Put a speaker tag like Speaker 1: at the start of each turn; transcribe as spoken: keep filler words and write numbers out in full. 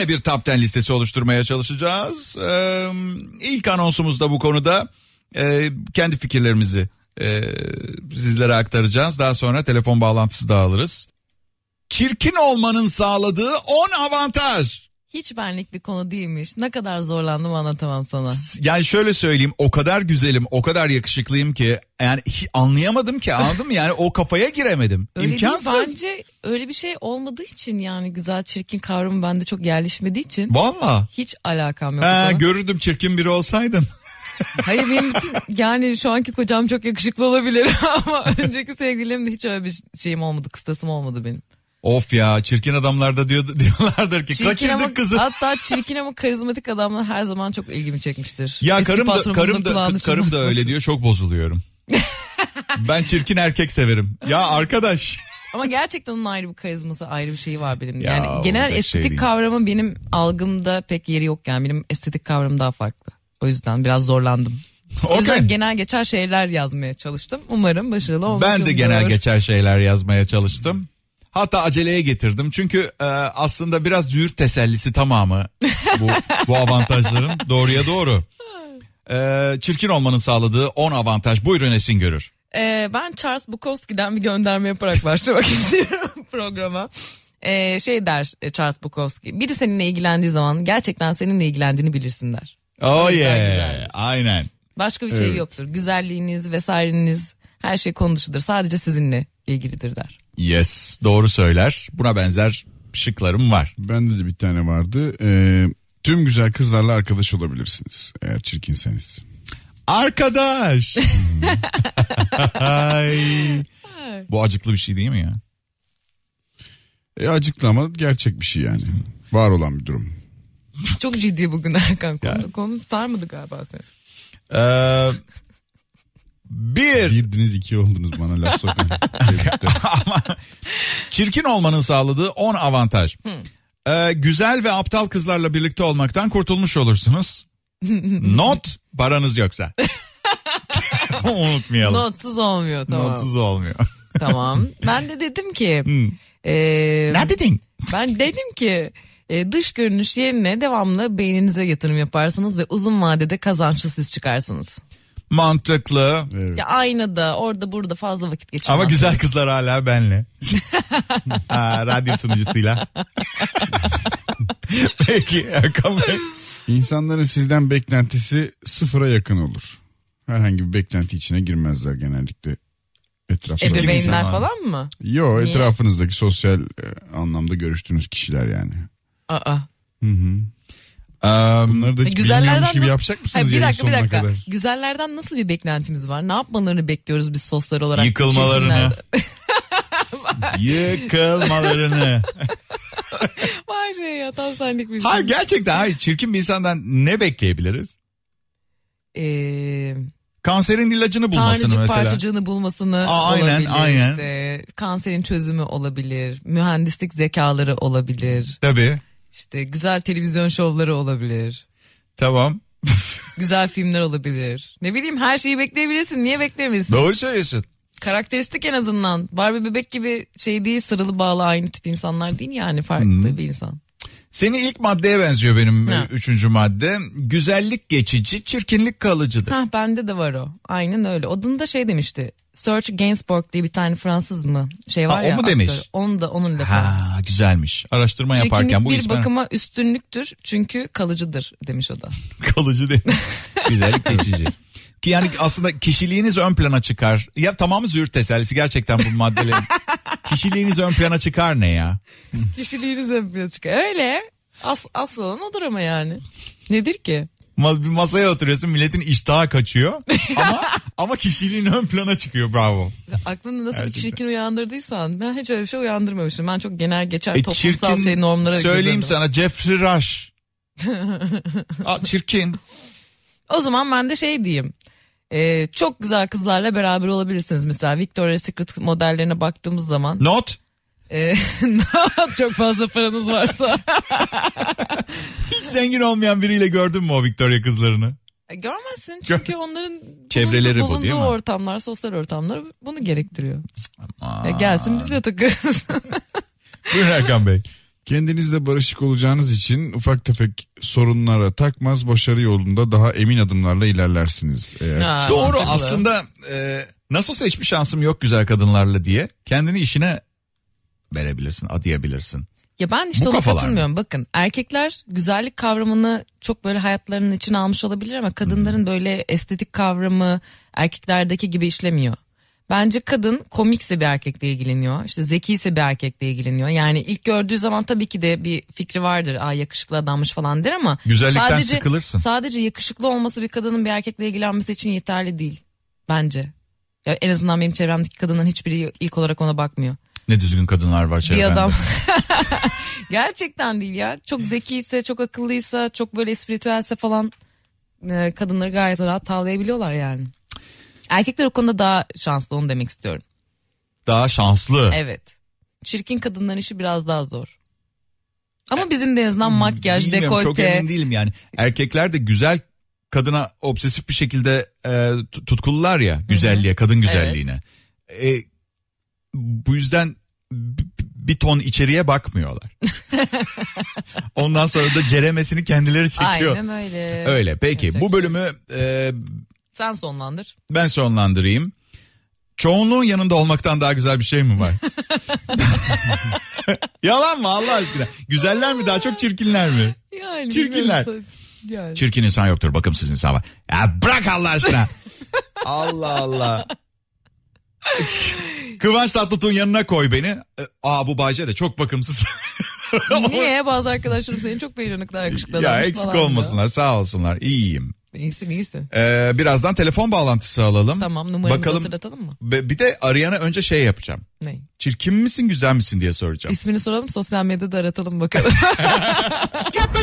Speaker 1: yine bir top on listesi oluşturmaya çalışacağız. Ee, ilk anonsumuz da bu konuda. Ee, kendi fikirlerimizi e, sizlere aktaracağız. Daha sonra telefon bağlantısı da alırız. Çirkin olmanın sağladığı on avantaj.
Speaker 2: Hiç benlik bir konu değilmiş. Ne kadar zorlandım anlatamam sana.
Speaker 1: Yani şöyle söyleyeyim, o kadar güzelim, o kadar yakışıklıyım ki yani hiç anlayamadım ki, anladın mı? Yani o kafaya giremedim.
Speaker 2: Öyle
Speaker 1: İmkansız.
Speaker 2: değil, bence öyle bir şey olmadığı için, yani güzel çirkin kavramı bende çok yerleşmediği için.
Speaker 1: Valla.
Speaker 2: Hiç alakam yok.
Speaker 1: He, görürdüm çirkin biri olsaydın.
Speaker 2: Hayır, benim bütün yani şu anki kocam çok yakışıklı olabilir ama önceki sevgilimde hiç öyle bir şeyim olmadı, kıstasım olmadı benim.
Speaker 1: Of ya, çirkin adamlarda diyor, diyorlardır ki
Speaker 2: çirkin
Speaker 1: kaçırdık
Speaker 2: ama,
Speaker 1: kızı.
Speaker 2: Hatta çirkin ama karizmatik adamlar her zaman çok ilgimi çekmiştir.
Speaker 1: Ya
Speaker 2: Eski
Speaker 1: karım da
Speaker 2: patronumun
Speaker 1: karım da
Speaker 2: kulağını
Speaker 1: karım da
Speaker 2: çınlatmasın.
Speaker 1: öyle diyor, çok bozuluyorum. Ben çirkin erkek severim. Ya arkadaş.
Speaker 2: Ama gerçekten onun ayrı bir karizması, ayrı bir şeyi var benim.
Speaker 1: Ya,
Speaker 2: yani genel
Speaker 1: şey
Speaker 2: estetik
Speaker 1: değil.
Speaker 2: kavramı benim algımda pek yeri yok yani. Benim estetik kavramım daha farklı. O yüzden biraz zorlandım. O yüzden
Speaker 1: Okay.
Speaker 2: genel geçer şeyler yazmaya çalıştım. Umarım başarılı olmuşumdur.
Speaker 1: Ben de genel geçer şeyler yazmaya çalıştım. Hatta aceleye getirdim. Çünkü e, aslında biraz züğürt tesellisi tamamı bu, bu avantajların, doğruya doğru. E, çirkin olmanın sağladığı on avantaj. Buyurun Esin Görür.
Speaker 2: Ee, ben Charles Bukowski'den bir gönderme yaparak başlamak istiyorum programa. Ee, şey der Charles Bukowski. Biri seninle ilgilendiği zaman gerçekten seninle ilgilendiğini bilirsin der.
Speaker 1: Oh
Speaker 2: yüzden
Speaker 1: yeah.
Speaker 2: güzel.
Speaker 1: Aynen.
Speaker 2: Başka bir şey
Speaker 1: Evet.
Speaker 2: yoktur. Güzelliğiniz vesaireniz her şey konu dışıdır. Sadece sizinle ilgilidir der.
Speaker 1: Yes, doğru söyler. Buna benzer şıklarım var.
Speaker 3: Bende de bir tane vardı. Ee, tüm güzel kızlarla arkadaş olabilirsiniz eğer çirkinseniz.
Speaker 1: Arkadaş. Ay. Bu acıklı bir şey değil mi ya?
Speaker 3: E, acıklı ama gerçek bir şey yani. Var olan bir durum.
Speaker 2: Çok ciddi bugün Erkan. Konu,
Speaker 1: Yani.
Speaker 2: konu sarmadı galiba seni.
Speaker 1: Ee, bir.
Speaker 3: Birdiniz iki oldunuz bana laf sokun.
Speaker 1: Ama çirkin olmanın sağladığı on avantaj. Ee, güzel ve aptal kızlarla birlikte olmaktan kurtulmuş olursunuz. Not, paranız yoksa. Unutmayalım.
Speaker 2: Notsuz olmuyor, tamam.
Speaker 1: Notsuz olmuyor.
Speaker 2: Tamam. Ben de dedim ki.
Speaker 1: Hmm.
Speaker 2: e,
Speaker 1: Ne dedin?
Speaker 2: Ben dedim ki e, dış görünüş yerine devamlı beyninize yatırım yaparsınız ve uzun vadede kazançlı siz çıkarsınız.
Speaker 1: Mantıklı.
Speaker 3: Evet.
Speaker 2: Ya aynada, orada burada fazla vakit geçirmezsiniz.
Speaker 1: Ama güzel kızlar hala benle. ha, radyo sunucusuyla. Peki Erkan Bey.
Speaker 3: İnsanların sizden beklentisi sıfıra yakın olur. Herhangi bir beklenti içine girmezler genellikle. Etrafınızda.
Speaker 2: Ebeveynler
Speaker 1: insan var.
Speaker 2: falan mı?
Speaker 3: Yo,
Speaker 2: Niye?
Speaker 3: etrafınızdaki sosyal e, anlamda görüştüğünüz kişiler yani.
Speaker 2: Aa.
Speaker 3: Hı hı.
Speaker 1: Um,
Speaker 3: Bunları da hiç
Speaker 2: Güzellerden
Speaker 3: bilmiyormuş gibi
Speaker 2: nasıl-
Speaker 3: yapacak mısınız
Speaker 2: Hayır, bir
Speaker 3: yayın
Speaker 2: dakika bir
Speaker 3: sonuna
Speaker 2: dakika.
Speaker 3: kadar?
Speaker 2: Güzellerden nasıl bir beklentimiz var? Ne yapmalarını bekliyoruz biz sosyal olarak?
Speaker 1: Yıkılmalarını.
Speaker 2: Çirkinlerden.
Speaker 1: Yıkılmalarını.
Speaker 2: Vay şey ya, tam senlik bir şey.
Speaker 1: Hayır, gerçekten hayır, çirkin bir insandan ne bekleyebiliriz?
Speaker 2: Eee...
Speaker 1: Kanserin ilacını bulmasını
Speaker 2: Tanrıcık
Speaker 1: mesela.
Speaker 2: parçacığını bulmasını
Speaker 1: Aa, aynen,
Speaker 2: olabilir.
Speaker 1: aynen.
Speaker 2: İşte kanserin çözümü olabilir. Mühendislik zekaları olabilir.
Speaker 1: Tabii.
Speaker 2: İşte güzel televizyon şovları olabilir.
Speaker 1: Tamam.
Speaker 2: Güzel filmler olabilir. Ne bileyim, her şeyi bekleyebilirsin. Niye beklemeyesin?
Speaker 1: Doğru söylüyorsun.
Speaker 2: Karakteristik en azından. Barbie bebek gibi şey değil, sarılı bağlı aynı tip insanlar değil yani. Farklı
Speaker 1: Hmm.
Speaker 2: bir insan.
Speaker 1: Senin ilk maddeye benziyor benim
Speaker 2: Ha.
Speaker 1: e, üçüncü madde. Güzellik geçici, çirkinlik kalıcıdır.
Speaker 2: Hah, bende de var o. Aynen öyle. Onun da şey demişti. Serge Gainsbourg diye bir tane Fransız mı? Şey var
Speaker 1: Ha, o
Speaker 2: ya.
Speaker 1: mu demiş?
Speaker 2: Aktör. Onun da onun lafı.
Speaker 1: Ha, güzelmiş. Araştırma yaparken
Speaker 2: Çirkinlik
Speaker 1: bu
Speaker 2: bir
Speaker 1: ismen
Speaker 2: bakıma üstünlüktür çünkü kalıcıdır demiş o da.
Speaker 1: kalıcı değil. Güzellik geçici. Ki yani aslında kişiliğiniz ön plana çıkar. Ya tamamı züğürt tesellisi gerçekten bu maddelerin. Kişiliğiniz ön plana çıkar ne ya?
Speaker 2: Kişiliğiniz ön plana çıkıyor. Öyle. As, asıl olan odur ama yani. Nedir ki?
Speaker 1: Ma- Bir masaya oturuyorsun, milletin iştahı kaçıyor ama ama kişiliğin ön plana çıkıyor, bravo.
Speaker 2: Aklında nasıl
Speaker 1: Gerçekten.
Speaker 2: bir çirkin uyandırdıysan, ben hiç öyle bir şey uyandırmamışım. Ben çok genel geçer
Speaker 1: E,
Speaker 2: toplumsal
Speaker 1: çirkin,
Speaker 2: şey normlara
Speaker 1: söyleyeyim
Speaker 2: gözlerim.
Speaker 1: sana, Jeffrey Rush. Aa, çirkin.
Speaker 2: O zaman ben de şey diyeyim. Ee, çok güzel kızlarla beraber olabilirsiniz. Mesela Victoria's Secret modellerine baktığımız zaman.
Speaker 1: Not.
Speaker 2: E, çok fazla paranız varsa.
Speaker 1: Hiç zengin olmayan biriyle gördün mü o Victoria kızlarını?
Speaker 2: E, Görmezsin çünkü onların
Speaker 1: Çevreleri bu,
Speaker 2: bulunduğu
Speaker 1: değil mi?
Speaker 2: ortamlar, sosyal ortamlar bunu gerektiriyor.
Speaker 1: Aa.
Speaker 2: E, gelsin bizle takılsın.
Speaker 1: Buyurun Erkan Bey.
Speaker 3: Kendinizle barışık olacağınız için ufak tefek sorunlara takmaz, başarı yolunda daha emin adımlarla ilerlersiniz. Eğer...
Speaker 2: Ha,
Speaker 1: Doğru
Speaker 2: mantıklı.
Speaker 1: aslında e, nasılsa hiçbir şansım yok güzel kadınlarla diye kendini işine verebilirsin, adayabilirsin.
Speaker 2: Ya ben işte
Speaker 1: Bu
Speaker 2: ona
Speaker 1: kafalar
Speaker 2: katılmıyorum.
Speaker 1: mı?
Speaker 2: Bakın erkekler güzellik kavramını çok böyle hayatlarının içine almış olabilir ama kadınların
Speaker 1: Hmm.
Speaker 2: böyle estetik kavramı erkeklerdeki gibi işlemiyor. Bence kadın komikse bir erkekle ilgileniyor. İşte zekiyse bir erkekle ilgileniyor. Yani ilk gördüğü zaman tabii ki de bir fikri vardır. Aa yakışıklı adammış falan der ama.
Speaker 1: Güzellikten
Speaker 2: sadece,
Speaker 1: sıkılırsın.
Speaker 2: Sadece yakışıklı olması bir kadının bir erkekle ilgilenmesi için yeterli değil. Bence. Ya en azından benim çevremdeki kadının hiçbiri ilk olarak ona bakmıyor.
Speaker 1: Ne düzgün kadınlar var çevrende.
Speaker 2: Bir adam gerçekten değil ya, çok zekiyse, çok akıllıysa, çok böyle espritüelse falan e, kadınları gayet rahat tavlayabiliyorlar yani. Erkekler o konuda daha şanslı, onu demek istiyorum.
Speaker 1: Daha şanslı.
Speaker 2: Evet, çirkin kadınların işi biraz daha zor. Ama bizim de en azından makyaj,
Speaker 1: Bilmiyorum, çok
Speaker 2: dekolte.
Speaker 1: emin değilim yani. Erkekler de güzel kadına obsesif bir şekilde e, tutkullar ya güzelliğe, kadın güzelliğine. E, bu yüzden b- bir ton içeriye bakmıyorlar. Ondan sonra da ceremesini kendileri çekiyor.
Speaker 2: Aynen öyle.
Speaker 1: Öyle. Peki
Speaker 2: Yapacak
Speaker 1: bu
Speaker 2: bir
Speaker 1: bölümü e,
Speaker 2: Sen sonlandır.
Speaker 1: ben sonlandırayım. Çoğunluğun yanında olmaktan daha güzel bir şey mi var? Yalan mı Allah aşkına? Güzeller mi daha çok, çirkinler mi?
Speaker 2: Yani
Speaker 1: Çirkinler.
Speaker 2: bilmiyorum. Yani.
Speaker 1: Çirkin insan yoktur, bakımsız insan var. Ya bırak Allah aşkına. Allah Allah. Kıvanç Tatlıtuğ'un yanına koy beni. Aa bu Bayce de çok bakımsız.
Speaker 2: Niye? Bazı arkadaşlarım seni çok beğeniyorlar, yakışıklı
Speaker 1: Ya
Speaker 2: adammış
Speaker 1: eksik
Speaker 2: falan diyor.
Speaker 1: olmasınlar, sağ olsunlar, iyiyim.
Speaker 2: İyisin iyisin.
Speaker 1: Ee, birazdan telefon bağlantısı alalım.
Speaker 2: Tamam, numaramızı
Speaker 1: Bakalım.
Speaker 2: hatırlatalım mı?
Speaker 1: Be- Bir de arayana önce şey yapacağım.
Speaker 2: Ne?
Speaker 1: Çirkin misin güzel misin diye soracağım.
Speaker 2: İsmini soralım, sosyal medyada aratalım bakalım.